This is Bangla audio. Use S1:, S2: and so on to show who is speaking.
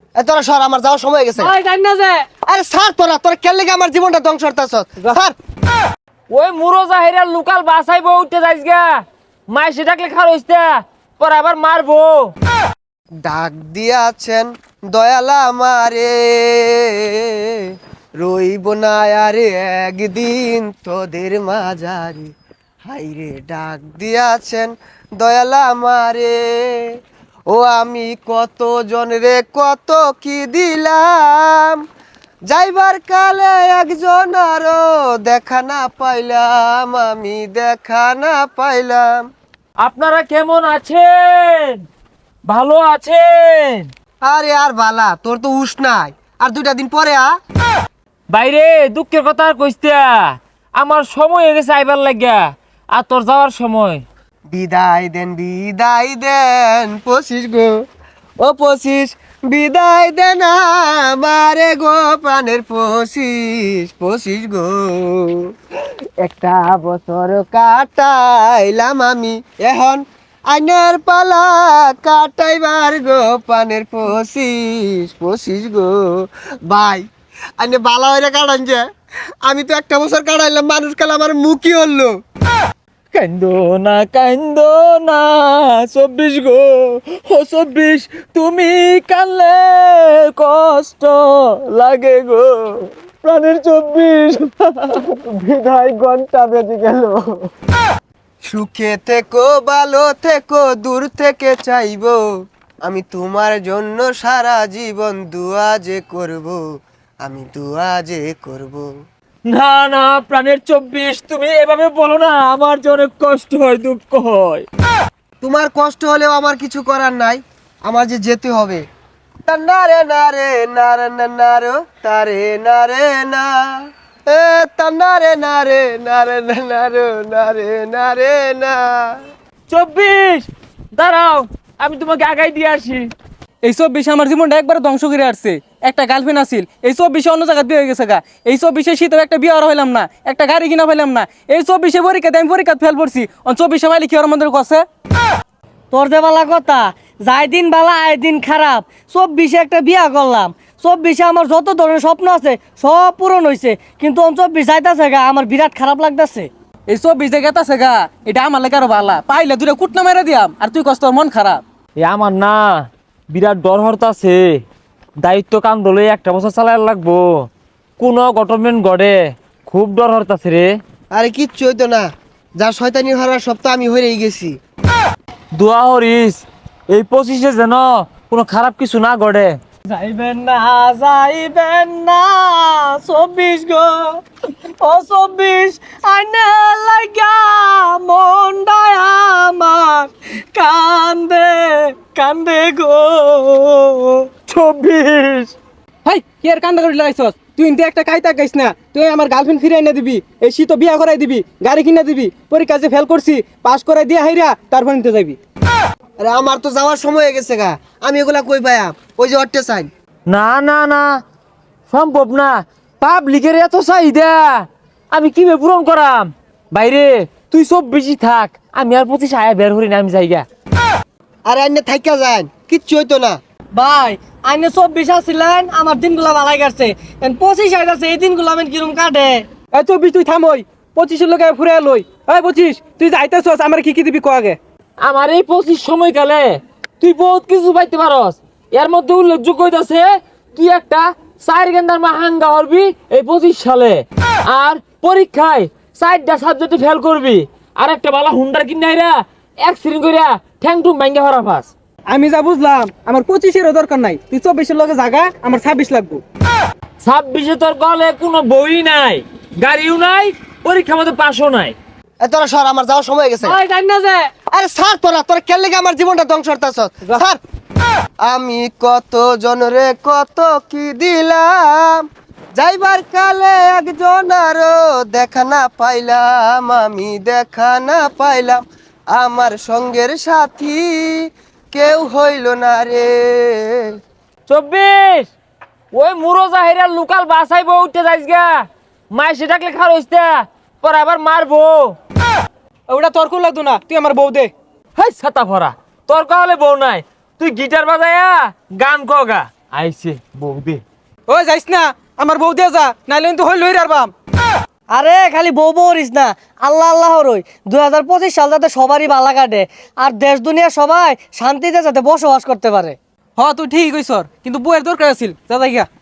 S1: তোরা সর, আমার যাওয়ার সময় হয়ে গেছে।
S2: ওই জান না যে
S1: আরে স্যার, তোরা কেন লেগে আমার জীবনটা ধ্বংস করতেছস? স্যার,
S3: ওই মুরো জাহিরা লোকাল বাসাইব উঠতে যাইস গা, মাই সে ডাকলে খার হইছে পর আবার মারবো।
S1: ডাক দিয়াছেন দয়াল আমারে, রইব না আরে একদিন তোদের মাঝারে। হাইরে ডাক দিয়াছেন দয়াল আমারে, ও আমি কত জনরে কত কি দিলাম, যাইবার কালে একজন আরো দেখা না পাইলাম, আমি দেখা না পাইলাম।
S3: আপনারা কেমন আছেন? ভালো আছেন?
S1: আরে আর বালা, তোর তো হুশ নাই, আর 2টা দিন পরে
S3: বাইরে দুঃখের কথা আর কইস্তা, আমার সময় হয়ে গেছে আইবার লাগিয়া, আর তোর যাওয়ার সময়।
S1: বিদায় দেন 25 গো, ও 25 বিদায় দেন আমারে গো, প্রাণের 25 গো। একটা বছর কাটাইলাম আমি, এখন আইনের পালা কাটাইবার গো, প্রাণের 25 গো। ভাই আইনে বালা হইরে কাটান যে, আমি তো একটা বছর কাটাইলাম, মানুষ কাল আমার মুখই হলো।
S3: কান্দো না 24 গো, ও 24 তুমি কানলে কষ্ট লাগে গো, প্রাণের 24 বিদায় ঘন্টা বেজে গেল।
S1: সুখে থেকো ভালো থেকো, দূর থেকে চাইবো আমি তোমার জন্য সারা জীবন, দুয়া যে করব, আমি দুয়া যে করব।
S3: না না প্রাণের 24 তুমি এভাবে বলো না, আমার যে অনেক কষ্ট হয়, দুঃখ হয়।
S1: তোমার কষ্ট হলেও আমার কিছু করার নাই, আমার যে যেতে হবে। নারে নারে নারে নারে তারে নারে না, এ তান্নারে নারে নারে নারে নারে নারে না।
S3: 24 দাঁড়াও, আমি তোমাকে আগাই দিয়ে আসি।
S2: এই 24 আমার জীবনটা একবার ধ্বংস করে আসছে। একটা গার্লফ্রেন্ড আছিল, এই 24 অন্য জায়গায় বিয়ে হয়ে গেছে গা। এই 24 শীতেও একটা বিয়ে হইলাম না, একটা গাড়ি কিনা পাইলাম না। এই 24 পরীক্ষাতে আমি পরীক্ষা ফেল পড়ছি, 24 পাইলে কি ওর মধ্যে কছে তোর যে বালা কথা, যাই দিন বালা আয় দিন খারাপ। 24 একটা বিয়া করলাম, 24 আমার যত ধরনের স্বপ্ন আছে সব পূরণ হয়েছে, কিন্তু 24 যাইতাছে গা, আমার বিরাট খারাপ লাগতেছে। এই 24 যে গেতাছে গা, এটা আমার লেগে আরো ভালা, পাইলে দুটো কুটনা মেরে দিয়াম, আর তুই কষ্ট মন খারাপ।
S3: এ আমার না বিরাট ডর হরতাছে, দায়িত্ব কাম দলে একটা বছর চালাই লাগবো, কোন গভর্নমেন্ট গড়ে, খুব ডর হরতাছে রে।
S1: আরে কিচ্ছু হইতো না, যা শয়তানি হওয়ার সব তো আমি হয়েই গেছি।
S3: দোয়া হরিস এই 25-এ যেন কোনো খারাপ কিছু না গড়ে।
S2: যাইবেন না 24 গো, ও 24 আইনা লাগা মনটাই আমার কান্দে কান্দে গো।
S3: 24
S2: হাই কি আর কান্দা করে লাগাইছস? তুই ইনতে একটা কাইতা গাইস না, তুই আমার গার্লফ্রেন্ড ফিরে এনে দিবি, এই শীত বিয়া করাই দিবি, গাড়ি কিনে দিবি, পরীক্ষা যে ফেল করছি পাস করাই দিয়া হাইরা তারপর নিতে যাবি।
S1: আরে আমার তো যাওয়ার সময় হয়ে গেছে গা, আমি এগুলা কই পাইয়াম? ওই যে অট্টে চাই।
S3: না না না সম্ভব না, পাবলিকের এত চাহিদা আমি কিভাবে পূরণ করাম? বাইরে তুই 24-ই থাক, আমি আর 25 আয়া বের হরি না, আমি যাইগা।
S1: আরে আইনে থাইকা যান, কিচ্ছু হইতো না।
S2: ভাই আইনে 24 আসছিলেন, আমার দিনগুলা ভালাই গেছে, 25 আইতাছে, এই দিনগুলো আমি কিরম কাটে? এই 24 তুই থামই, 25 এর লগে ফুরে লই। এই 25 তুই যাইতাছস, আমার কি কি দিবি কো আগে?
S3: আমার এই 25 সময়কালে তুই বহুত কিছু পাইতে পারস, এর মধ্যে উল্লেখযোগ্য হইতাছে তুই একটা 4 গেন্দার মাহাঙ্গা হরবি এই 25 সালে, আর পরীক্ষায় 4টা সাবজেক্টে ফেল করবি, আর একটা বালা হুন্ডার কিনাইরা অ্যাক্সিডেন্ট কইরা ঠ্যাং টুং ভাঙ্গা হরা পাস।
S2: আমি যা বুঝলাম আমার 25 এর দরকার নাই, তুই 24 এর লগে জাগা, আমার 26 লাগবো।
S3: 26-এ তোর গলে কোনো বই নাই, গাড়িও নাই, পরীক্ষা মতো পাসও নাই।
S1: তোরা সর, আমার যাওয়ার সময় হয়ে গেছে।
S2: ওই জান না যে
S1: আরে স্যার, তোরা কেন লেগে আমার জীবনটা ধ্বংস করতেছস? স্যার, আমি কত জনরে কত কি দিলাম, যাইবার কালে একজন আরো দেখা না পাইলাম, আমি দেখা না পাইলাম, আমার সঙ্গের সাথী কেউ হইল না রে।
S3: 24 ওই মুরো জাহিরা লোকাল বাসাইব উঠতে যাইস গা, মাই সে ডাকলে খার হইছে পর আবার মারবো।
S2: ওটা তর্ক লাগতো না, তুই আমার বউ দে।
S3: হাই ছাতা ভরা তোর কাহলে বউ নাই, তুই গিটার বাজায়া গান কগা। আইছে বৌদি।
S2: ওই যাইস না, আমার বউ দিয়ে যা, নাইলে কিন্তু হই লই রারবাম।
S4: আরে খালি বউ বউরিস না, আল্লাহ আল্লাহ রই 2025 সাল যাতে সবারই ভালো কাটে আর দেশ দুনিয়া সবাই শান্তিতে যাতে বসবাস করতে পারে।
S2: হ তুই ঠিক কইছর, কিন্তু বউয়ের দরকার আছিল, যা যাই গা।